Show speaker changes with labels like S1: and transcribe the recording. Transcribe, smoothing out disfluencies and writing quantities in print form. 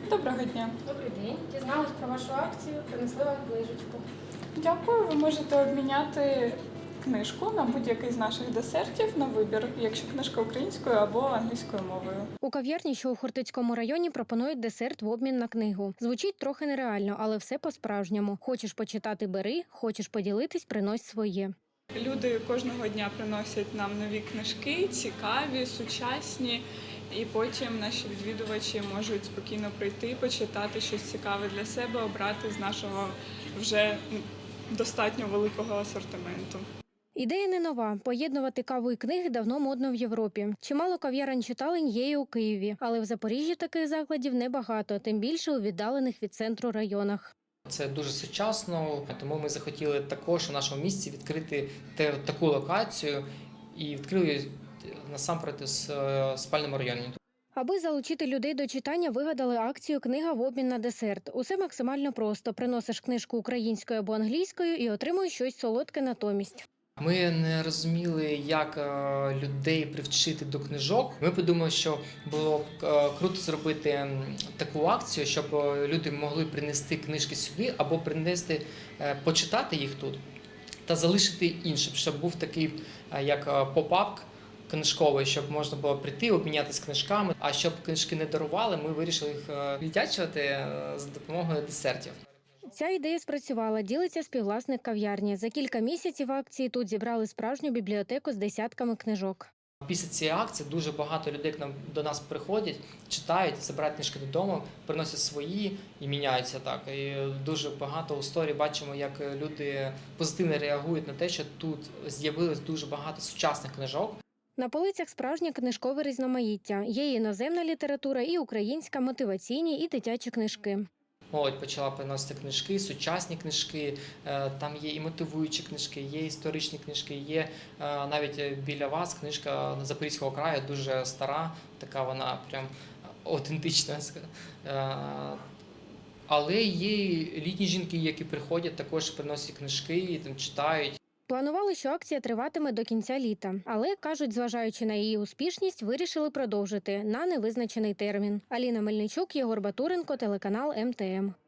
S1: Доброго дня.
S2: Добрий день. Дізналась про вашу акцію, принесли вам книжечку.
S1: Дякую. Ви можете обміняти книжку на будь-який з наших десертів на вибір, якщо книжка українською або англійською мовою.
S3: У кав'ярні, що у Хортицькому районі, пропонують десерт в обмін на книгу. Звучить трохи нереально, але все по-справжньому. Хочеш почитати – бери, хочеш поділитись – принось своє.
S1: Люди кожного дня приносять нам нові книжки, цікаві, сучасні, і потім наші відвідувачі можуть спокійно прийти, почитати щось цікаве для себе, обрати з нашого вже достатньо великого асортименту.
S3: Ідея не нова. Поєднувати каву і книги давно модно в Європі. Чимало кав'ярень-читалень є і у Києві, але в Запоріжжі таких закладів небагато, тим більше у віддалених від центру районах.
S4: Це дуже сучасно, тому ми захотіли також у нашому місті відкрити таку локацію і відкрили насамперед у спальному районі.
S3: Аби залучити людей до читання, вигадали акцію «Книга в обмін на десерт». Усе максимально просто. Приносиш книжку українською або англійською і отримуєш щось солодке натомість.
S4: Ми не розуміли, як людей привчити до книжок. Ми подумали, що було б круто зробити таку акцію, щоб люди могли принести книжки сюди або принести, почитати їх тут та залишити іншим, щоб був такий як поп-ап книжковий, щоб можна було прийти, обмінятися книжками. А щоб книжки не дарували, ми вирішили їх віддячувати за допомогою десертів.
S3: Ця ідея спрацювала, ділиться співвласник кав'ярні. За кілька місяців акції тут зібрали справжню бібліотеку з десятками книжок.
S4: Після цієї акції дуже багато людей до нас приходять, читають, забирають книжки додому, приносять свої і міняються так. І дуже багато у сторі бачимо, як люди позитивно реагують на те, що тут з'явилось дуже багато сучасних книжок.
S3: На полицях справжнє книжкове різноманіття. Є і іноземна література, і українська, мотиваційні, і дитячі книжки.
S4: Молодь почала приносити книжки, сучасні книжки, там є і мотивуючі книжки, є історичні книжки, є навіть біля вас книжка Запорізького краю, дуже стара, така вона прям автентична. Але є літні жінки, які приходять, також приносять книжки, там читають.
S3: Планували, що акція триватиме до кінця літа. Але, кажуть, зважаючи на її успішність, вирішили продовжити на невизначений термін. Аліна Мельничук, Єгор Батуренко, телеканал МТМ.